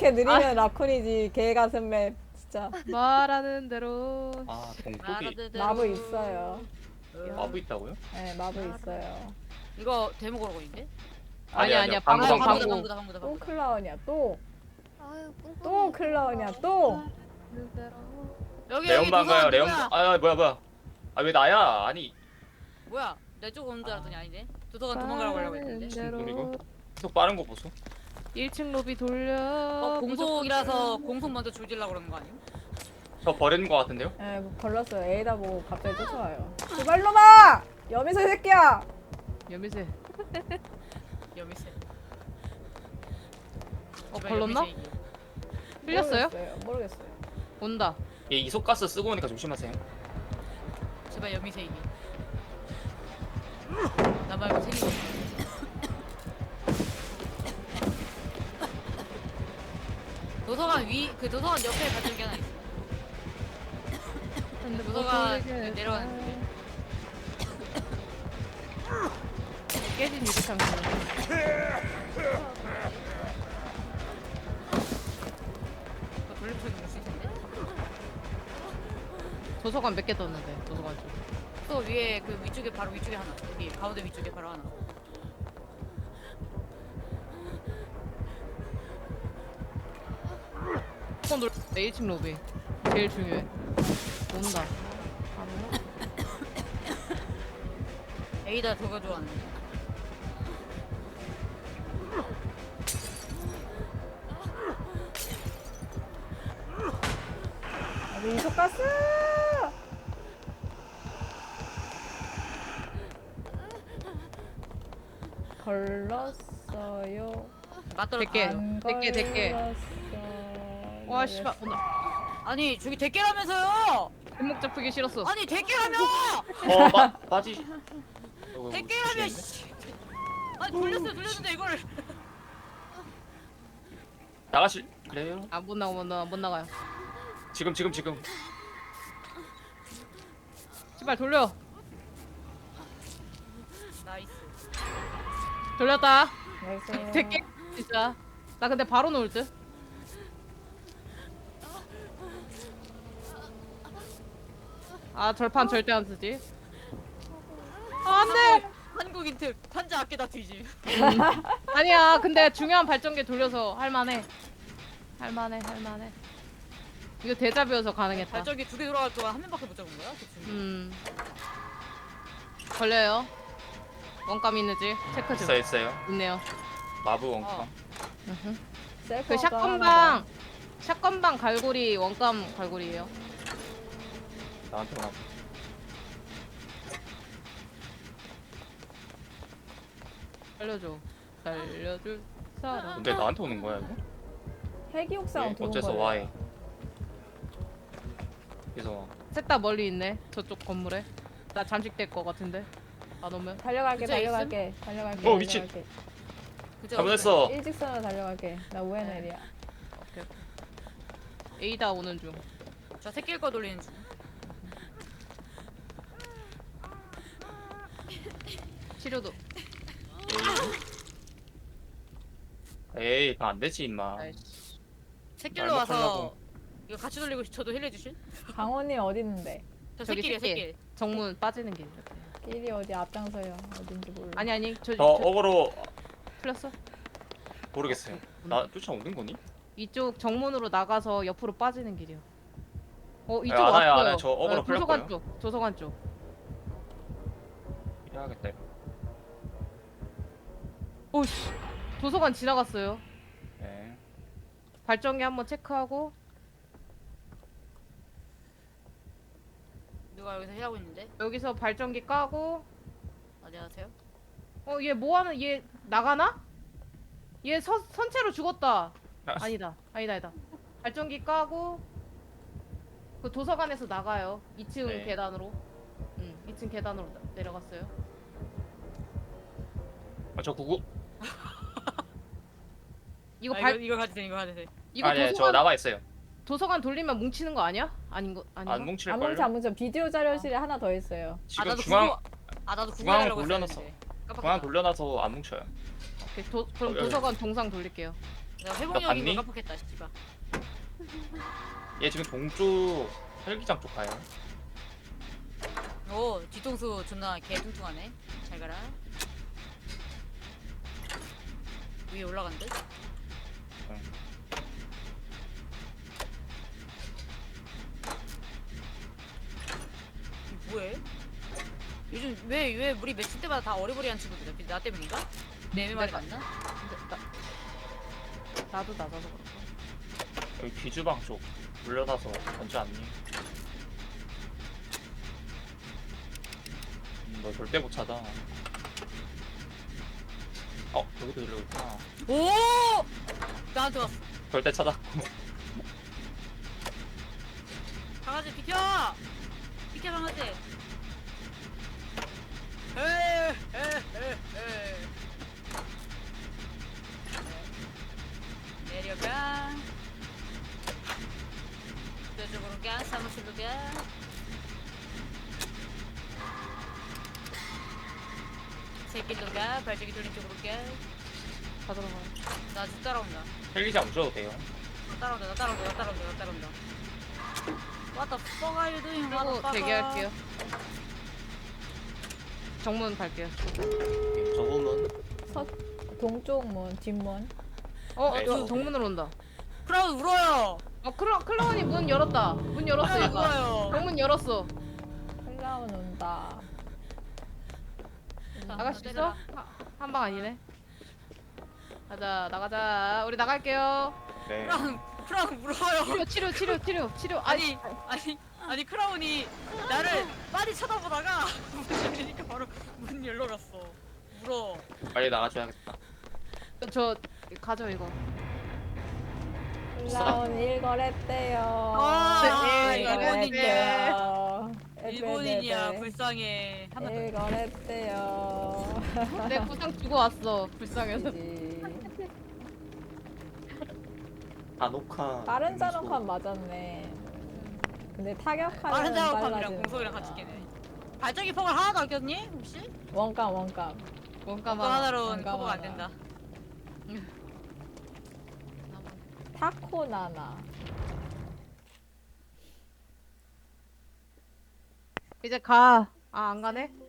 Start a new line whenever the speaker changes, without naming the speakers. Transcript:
이렇게 느리면 라쿤이지. 개 같은 맵 진짜.
말하는 대로.
아 동국이
말하는 대로.
마브 있어요.
마부 있다고요?
네, 마브 있어요.
이거 데모 걸어보인데?
아니야,
방구,
방구,
방구.
방구.
방구다.
또 클라운이야. 또
아유
또 클라운이야. 또.
여기
레온방가요 레온.
뭐야?
아 뭐야. 아 왜 나야? 아니
뭐야? 내 쪽 오는 줄 알았더니 아니네. 도서관 도망가라고 하려고 했는데.
무슨 소리고? 계속 빠른 거 보소.
1층 로비 돌려.
공속이라서 공속 먼저 조질라고 그러는 거 아니야?
저 버리는 거 같은데요?
네, 뭐 걸렸어요. A다 보고 갑자기 쫓아와요. 제발로마! 여미소 새끼야!
여미새.
여미세.
걸렀나? 흘렸어요?
모르겠어요.
온다.
얘 이속가스 쓰고 오니까 조심하세요.
제발 여미세 이기. 나 말고 생긴 거. 도서관 그 도서관 옆에 받은 게 하나 있어. 근데 도서관 내려가는데.
깨진 유리창.
그거 돌려서 볼수 있는데?
도서관 몇 개 떴는데 도서관 쪽.
또 위에 그 위쪽에 바로 위쪽에 하나. 여기 가운데 위쪽에 바로 하나.
폰 놀. 1층 로비. 제일 중요해. 온다.
에이다 저거 좋아하는데.
이속가스! 걸렀어요.
맞더라.
백 개.
안
대깨, 대깨.
걸렸어요.
와 씨발 온다.
아니 저기 대깨라면서요.
뒷목 잡히기 싫었어.
아니 대깨라며.
빠지.
대깨라며. 씨. 아니 돌렸는데 이거를.
나가실 그래요?
아 못 나가 못 나가요.
지금.
씨발 돌려.
나이스.
돌렸다.
나이스.
대깨 진짜. 나 근데 바로 놓을 듯. 아 절판 절대 안 쓰지. 아, 안돼.
한국인 특 판자 아끼다 뒤지.
아니야. 근데 중요한 발전기 돌려서 할만해. 이거 대자뷰여서 가능했다.
발전기 2개 돌아갈 동안 한 명밖에 못 잡은 거야? 그치?
걸려요. 원감 있는지 체크 좀.
있어요.
있네요.
마부 원카.
어.
그 샷건방 갈고리 원감 갈고리예요.
나한테 오나.
살려줄 사람.
근데 나한테 오는 거야 이거?
헬기 옥상 들어온
어째서
거예요.
와해? 그래서
셋 다 멀리 있네. 저쪽 건물에. 나 잠식될 것 같은데. 안 오면.
달려갈게.
어, 미친.
그죠?
잘못했어.
일직선으로 달려갈게. 나 우에넬이야.
오케이. A다 오는 중.
저 새끼 거 돌리는 중.
치료도.
에이 안 되지 임마.
아이씨.
새끼로 와서 이거 같이 돌리고 저도 힐해 주실?
강원님 어디 있는데?
저
저기
새끼야
새끼.
새끼.
정문 빠지는 길.
길이 어디 앞장서요. 어딘지 몰라.
아니
저 어거로
풀렸어.
모르겠어요. 나 쫓아오는 거니?
이쪽 정문으로 나가서 옆으로 빠지는 길이요. 이쪽
알아요,
왔어요.
알아요. 저 어그로
도서관
풀렸고요.
쪽. 도서관 쪽.
해야겠다. 이거.
오씨. 도서관 지나갔어요.
네.
발전기 한번 체크하고.
누가 여기서 힐하고 있는데?
여기서 발전기 까고.
안녕하세요.
얘 뭐하는 얘 나가나? 얘 선체로 죽었다. 아니다. 발전기 까고 그 도서관에서 나가요. 2층
네.
계단으로. 2층 계단으로 내려갔어요.
저 구구.
이거
이거 가도 돼 이거 가도 돼.
이거
아니 저
도서관
나와 있어요.
도서관 돌리면 뭉치는 거 아니야? 아닌가?
안 뭉칠
안
걸요?
뭉쳐 안 뭉쳐. 비디오 자료실에 하나 더 있어요.
지금
나도
중앙
나도
중앙
구경하려고
돌려놨어.
했었는데.
중앙 돌려놔서 안 뭉쳐요.
그럼
여기.
도서관 동상 돌릴게요.
내가 회복력인
봤니?
걸 깜빡했다 씨발.
얘 지금 동쪽 헬기장 쪽 가요.
오 뒤통수 존나 개뚱뚱하네. 잘 가라. 위에 올라간대.
응.
이 뭐해? 요즘 왜 우리 매치 때마다 다 어리버리한 친구들이야? 나 때문인가? 내 말이 맞나?
나도 낮아서 그렇고.
여기 귀주방 쪽 물려다서 던지 않니? 너 절대 못 찾아. 여기도 이러고 있구나.
오! 나한테 왔어.
절대 찾았고.
강아지 비켜! 비켜 강아지. 에에에에 내려가. 저쪽으로 가. 사무실로 가. 새길로 가. 발전기 돌린 쪽으로 가.
다 들어가요.
나 지금 따라온다.
헬기장 오셔도 돼요.
나 따라온다. What the fuck are you doing? What the
그리고
fuck?
대기할게요. 정문 갈게요.
저 후문.
동쪽 문, 뒷문.
네,
저
저-
정문으로 온다.
크라운 울어요.
클라운이 문 열었다. 문 열었어,
크라운
얘가.
울어요.
정문 열었어.
클라운 온다.
나갈 수 있어? 한 방 아니네. 가자, 나가자. 우리 나갈게요.
네.
크라운 울어요.
치료.
아니 크라운이 나를 많이 쳐다보다가 문 열리니까 바로 문 열러 갔어. 울어.
빨리 나가줘야겠다.
저 가져 이거.
클라운 일거랬대요.
아,
일거랬대요.
일본인이야 불쌍해. 한번 더.
일거랬대요.
내 구상 주고 왔어. 불쌍해서.
아노카.
빠른 자노칸 맞았네. 근데 타격하는
빠른 작업함이랑
빨라지는
공속이랑
거야.
같이 끼네. 발전기 폭을 하나도 안 꼈니? 혹시?
원감.
원가만.
그거 하나로는
원감
커버가 안
하나.
된다.
타코나나.
이제 가. 아, 안 가네?